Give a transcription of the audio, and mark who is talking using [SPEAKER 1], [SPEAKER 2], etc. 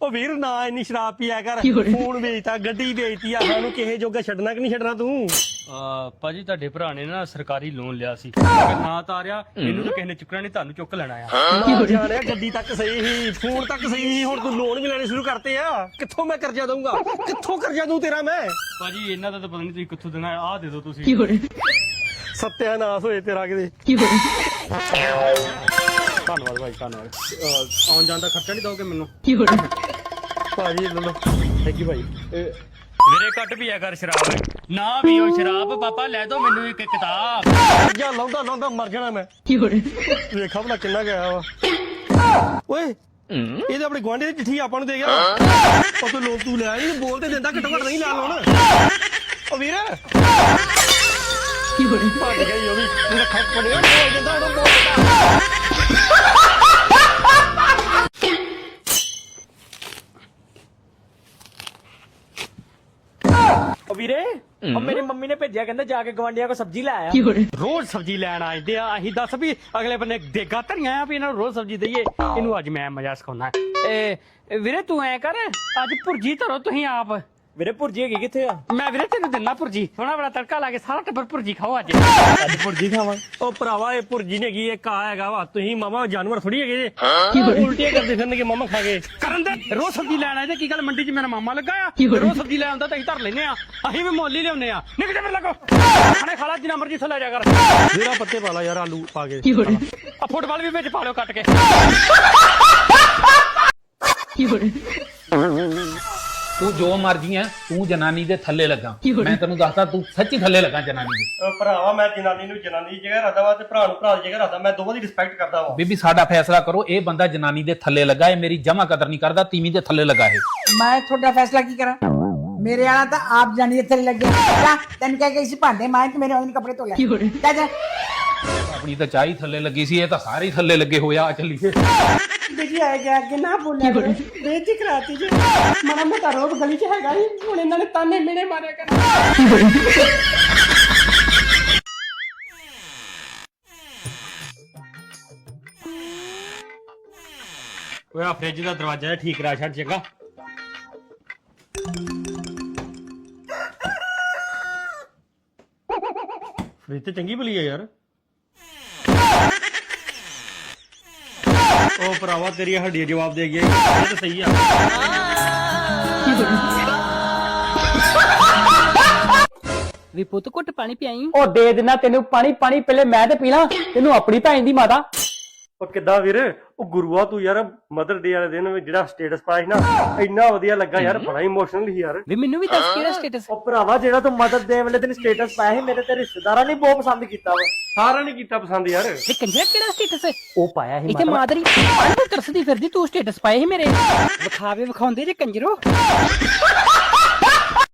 [SPEAKER 1] ਉਹ ਵੀਰ ਨਾ ਇੰਨੀ ਸ਼ਰਾਬ ਪੀਆ ਕਰ, ਫੋਨ ਵੇਚਤਾ, ਗੱਡੀ ਵੇਚਤੀ ਆ, ਸਾਨੂੰ ਕਿਸੇ ਜੋਗਾ ਛੱਡਣਾ ਕਿ ਨਹੀਂ ਛੱਡਣਾ ਤੂੰ?
[SPEAKER 2] ਭਾਜੀ ਤੁਹਾਡੇ ਭਰਾ ਨੇ ਨਾ ਸਰਕਾਰੀ ਲੋਨ ਲਿਆ ਸੀ, ਅਗਰ ਨਾ ਤਾਰਿਆ ਇਹਨੂੰ ਤਾਂ ਕਿਸੇ ਨੇ ਚੁੱਕਣਾ ਨਹੀਂ, ਤੁਹਾਨੂੰ ਚੁੱਕ ਲੈਣਾ ਆ।
[SPEAKER 1] ਨਾ ਜਾਣਿਆ ਗੱਡੀ ਤੱਕ ਸਹੀ ਸੀ, ਫੋਨ ਤੱਕ ਸਹੀ ਸੀ, ਹੁਣ ਤੂੰ ਲੋਨ ਵੀ ਲੈਣੇ ਸ਼ੁਰੂ ਕਰਤੇ ਆ। ਕਿੱਥੋਂ ਮੈਂ ਕਰਜ਼ਾ ਦਊਂਗਾ, ਕਿੱਥੋਂ ਕਰਜ਼ਾ ਦਊਂ ਤੇਰਾ ਮੈਂ?
[SPEAKER 2] ਭਾਜੀ ਇਹਨਾਂ ਦਾ ਤਾਂ ਪਤਾ ਨਹੀਂ ਤੁਸੀਂ ਕਿੱਥੋਂ ਦੇਣਾ, ਆਹ ਦੇ ਦਿਓ ਤੁਸੀਂ।
[SPEAKER 1] ਸਤਿਆਨਾਸ਼ ਹੋਏ ਤੇਰਾ ਕਿਤੇ।
[SPEAKER 2] ਧੰਨਵਾਦ ਭਾਈ, ਧੰਨਵਾਦ। ਆਉਣ ਜਾਣ ਦਾ ਖਰਚਾ ਨਹੀਂ ਦੋਗੇ ਮੈਨੂੰ?
[SPEAKER 1] ਭਾਜੀ ਲੈ ਲਓ। ਥੈਂਕ ਯੂ ਭਾਈ।
[SPEAKER 2] ਵੀਰੇ ਘੱਟ ਪੀਆ ਕਰ ਸ਼ਰਾਬ, ਨਾ ਪੀਓ ਸ਼ਰਾਬ। ਪਾਪਾ ਲੈ ਦੋ ਮੈਨੂੰ ਇੱਕ ਕਿਤਾਬ।
[SPEAKER 1] ਜਾ ਲਾਉਂਦਾ ਲਾਉਂਦਾ ਮਰ ਜਾਣਾ ਮੈਂ। ਵੇਖਾ ਭਲਾ ਕਿੰਨਾ ਗਿਆ ਵਾ। ਓਏ ਇਹ ਤਾਂ ਆਪਣੇ ਗੁਆਂਢੀ ਦੀ ਚਿੱਠੀ ਆਪਾਂ ਨੂੰ ਦੇ ਗਿਆ। ਉਹ ਤੂੰ ਲੋਕ ਤੂੰ ਲਿਆ ਨਹੀਂ, ਬੋਲ ਤੇ ਦਿੰਦਾ, ਘੱਟੋ ਘੱਟ ਨਹੀਂ ਲਾ ਲਾਉਣ। ਉਹ ਵੀਰ ਭੱਜ ਗਈ ਉਹ ਵੀ, ਇਹਦਾ ਖੱਪ ਪੜਿਆ, ਬੋਲ ਦਿੰਦਾ ਉਹਨੂੰ, ਬੋਲ ਦਿੰਦਾ।
[SPEAKER 2] ਵੀਰੇ ਉਹ ਮੇਰੀ ਮੰਮੀ ਨੇ ਭੇਜਿਆ, ਕਹਿੰਦੇ ਜਾ ਕੇ ਗਵਾਂਢੀਆਂ ਕੋ ਸਬਜ਼ੀ ਲੈ ਆਇਆ। ਰੋਜ਼ ਸਬਜ਼ੀ ਲੈਣ ਆਉਂਦੇ ਆ, ਅਸੀਂ ਦੱਸ ਵੀ ਅਗਲੇ ਬੰਨੇ ਦੇਗਾ ਧਰੀਆਂ ਆ ਵੀ ਇਹਨਾਂ ਨੂੰ ਰੋਜ਼ ਸਬਜ਼ੀ ਦਈਏ। ਇਹਨੂੰ ਅੱਜ ਮੈਂ ਮਜ਼ਾ ਸਿਖਾਉਣਾ। ਵੀਰੇ ਤੂੰ ਐ ਕਰ, ਅੱਜ ਭੁਰਜੀ ਧਰੋ ਤੁਸੀਂ ਆਪ। ਵੀਰੇ ਭੁਰਜੀ ਹੈਗੀ ਕਿੱਥੇ ਆ? ਮੈਂ ਵੀਰੇ ਤੈਨੂੰ ਦਿੰਦਾ ਭੁਰਜੀ, ਸੋਹਣਾ ਬੜਾ ਤੜਕਾ ਲਾ ਕੇ ਸਾਰਾ ਟੱਬਰ ਭੁਰਜੀ ਖਾਓ ਅੱਜ। ਅੱਜ ਭੁਰਜੀ ਖਾਵਾਂ?
[SPEAKER 1] ਉਹ ਭਰਾਵਾ ਇਹ ਭੁਰਜੀ ਨਹੀਂ ਹੈਗੀ, ਇਹ ਕਾ ਹੈਗਾ ਵਾ। ਤੁਸੀਂ ਮਾਮਾ ਜਾਨਵਰ ਥੋੜੀ ਹੈਗੇ ਜੇ ਉਲਟੀਆਂ ਕਰਦੇ ਫਿਰਨਗੇ ਮਾਮਾ ਖਾ ਕੇ।
[SPEAKER 2] ਕਰਨ ਦੇ, ਰੋਜ਼ ਸਬਜ਼ੀ ਲੈਣ ਆਏ ਤੇ ਕੀ ਗੱਲ ਮੰਡੀ 'ਚ ਮੇਰਾ ਮਾਮਾ ਲੱਗਾ ਆ, ਰੋਜ਼ ਸਬਜ਼ੀ ਲੈ ਆਉਂਦਾ ਤਾਂ ਅਸੀਂ ਧਰ ਲੈਨੇ ਆ, ਅਸੀਂ ਵੀ ਮੁੱਲ ਹੀ ਲਿਆਉਨੇ ਆ। ਨਿਕਲ ਜਾ ਮੇਰੇ ਲੱਗੋ, ਖਾਣੇ ਖਾ ਲਾ ਜਿੰਨਾ ਮਰਜ਼ੀ ਇੱਥੋਂ ਲੈ ਜਾ ਕਰ।
[SPEAKER 1] ਜਿਹੜਾ ਪੱਤੇ ਪਾ ਲਾ ਯਾਰ, ਆਲੂ ਪਾ ਕੇ।
[SPEAKER 2] ਆ ਫੁੱਟਬਾਲ ਵੀ ਵਿੱਚ ਪਾ ਲਿਓ ਕੱਟ ਕੇ।
[SPEAKER 3] ਤੂੰ ਜੋ ਮਰਜੀ ਐ, ਤੂੰ ਜਨਾਨੀ ਦੇ ਥੱਲੇ ਲੱਗਾ। ਮੈਂ ਤੈਨੂੰ ਦੱਸਦਾ, ਤੂੰ ਸੱਚੀ ਥੱਲੇ ਲੱਗਾ ਜਨਾਨੀ ਦੇ।
[SPEAKER 1] ਭਰਾਵਾ ਮੈਂ ਜਨਾਨੀ ਨੂੰ ਜਨਾਨੀ ਦੀ ਜਗ੍ਹਾ ਰੱਖਦਾ ਵਾ ਤੇ ਭਰਾ ਨੂੰ ਭਰਾ ਦੀ ਜਗ੍ਹਾ ਰੱਖਦਾ। ਮੈਂ ਦੋਵਾਂ ਦੀ ਰਿਸਪੈਕਟ ਕਰਦਾ ਵਾ।
[SPEAKER 3] ਬੀਬੀ ਸਾਡਾ ਫੈਸਲਾ ਕਰੋ, ਇਹ ਬੰਦਾ ਜਨਾਨੀ ਦੇ ਥੱਲੇ ਲੱਗਾ, ਇਹ ਮੇਰੀ ਜਮਾ ਕਦਰ ਨਹੀਂ ਕਰਦਾ, ਤੀਵੀਂ ਦੇ ਥੱਲੇ ਲੱਗਾ ਇਹ।
[SPEAKER 4] ਮੈਂ ਤੁਹਾਡਾ ਫੈਸਲਾ ਕੀ ਕਰਾਂ? ਮੇਰੇ ਵਾਲਾ ਤਾਂ ਆਪ ਜਾਣੀ ਇੱਥੇ ਲੱਗਿਆ। ਜਾ ਤੈਨੂੰ ਕਹਿ ਕੇ ਸੀ ਭਾਂਡੇ ਮਾਂ ਤੇ ਮੇਰੇ ਉਹਨੇ ਕੱਪੜੇ ਧੋ ਲੈ। ਜਾ ਜਾ।
[SPEAKER 3] ਆਪਣੀ ਤਾਂ ਚਾਹ ਹੀ ਥੱਲੇ ਲੱਗੀ ਸੀ, ਇਹ ਤਾਂ ਸਾਰੇ ਹੀ ਥੱਲੇ ਲੱਗੇ ਹੋਇਆ। ਆ ਚੱਲੀਏ।
[SPEAKER 4] ਬੇਟੀ ਆਏ ਗਿਆ ਅੱਗੇ ਨਾ ਬੋਲਿਆ ਕਰੋ, ਬੇਇੱਜ਼ਤੀ ਕਰਾਤੀ ਜੀ। ਮਾੜਾ ਮੋਟਾ ਰੋਬ ਗਲੀ 'ਚ ਹੈਗਾ ਹੀ, ਹੁਣ ਇਹਨਾਂ ਨੇ ਤਾਨੇ ਮੇਨੇ ਮਾਰਿਆ ਕਰ।
[SPEAKER 2] ਓਏ ਆ ਫ੍ਰਿਜ ਦਾ ਦਰਵਾਜ਼ਾ ਠੀਕ ਕਰਾ ਛੱਡ ਚੰਗਾ।
[SPEAKER 1] ਫ੍ਰਿਜ ਤੇ ਚੰਗੀ ਭਲੀ ਹੈ ਯਾਰ। ਉਹ ਭਰਾਵਾ ਤੇਰੀ ਹੱਡੀ ਜਵਾਬ ਦੇ ਗਿਆ, ਇਹ ਤਾਂ ਸਹੀ ਆ।
[SPEAKER 5] ਵੀ ਪੁੱਤ ਘੁੱਟ ਪਾਣੀ ਪਿਆਈ।
[SPEAKER 6] ਉਹ ਦੇ ਦੇਣਾ ਤੈਨੂੰ ਪਾਣੀ। ਪਾਣੀ ਪਹਿਲੇ ਮੈਂ ਤੇ ਪੀ ਲਾਂ, ਤੈਨੂੰ ਆਪਣੀ ਭੈਣ ਦੀ ਮਾਤਾ।
[SPEAKER 1] ਉਹ ਕਿੱਦਾਂ ਵੀਰ, ਉਹ ਗੁਰੂਆ ਤੂੰ ਯਾਰ ਮਦਰ ਡੇ ਵਾਲੇ ਦਿਨ ਜਿਹੜਾ ਸਟੇਟਸ ਪਾਇਆ ਸੀ ਨਾ, ਇੰਨਾ ਵਧੀਆ ਲੱਗਾ ਯਾਰ, ਬੜਾ ਇਮੋਸ਼ਨਲ ਸੀ ਯਾਰ।
[SPEAKER 5] ਵੀ ਮੈਨੂੰ ਵੀ ਦੱਸ ਕਿਹੜਾ ਸਟੇਟਸ?
[SPEAKER 6] ਉਹ ਭਰਾਵਾ ਜਿਹੜਾ ਤੂੰ ਮਦਰ ਡੇ ਵਾਲੇ ਦਿਨ ਸਟੇਟਸ ਪਾਇਆ ਸੀ, ਮੇਰੇ ਤੇ ਰਿਸ਼ਤੇਦਾਰਾਂ ਨੇ ਬਹੁਤ ਪਸੰਦ ਕੀਤਾ ਵਾ।
[SPEAKER 1] ਸਾਰਿਆਂ ਨੇ ਕੀਤਾ ਪਸੰਦ ਯਾਰ।
[SPEAKER 5] ਵੀ ਕੰਜਰਾ ਕਿਹੜਾ ਸਟੇਟਸ?
[SPEAKER 6] ਉਹ ਪਾਇਆ ਸੀ
[SPEAKER 5] ਇੱਥੇ ਮਾਦਰੀ ਪਾਣੀ ਤਰਸਦੀ ਫਿਰਦੀ, ਤੂੰ ਸਟੇਟਸ ਪਾਏ ਸੀ ਮੇਰੇ। ਵਿਖਾਵੇ ਵਿਖਾਉਂਦੇ ਜੇ ਕੰਜਰੋ।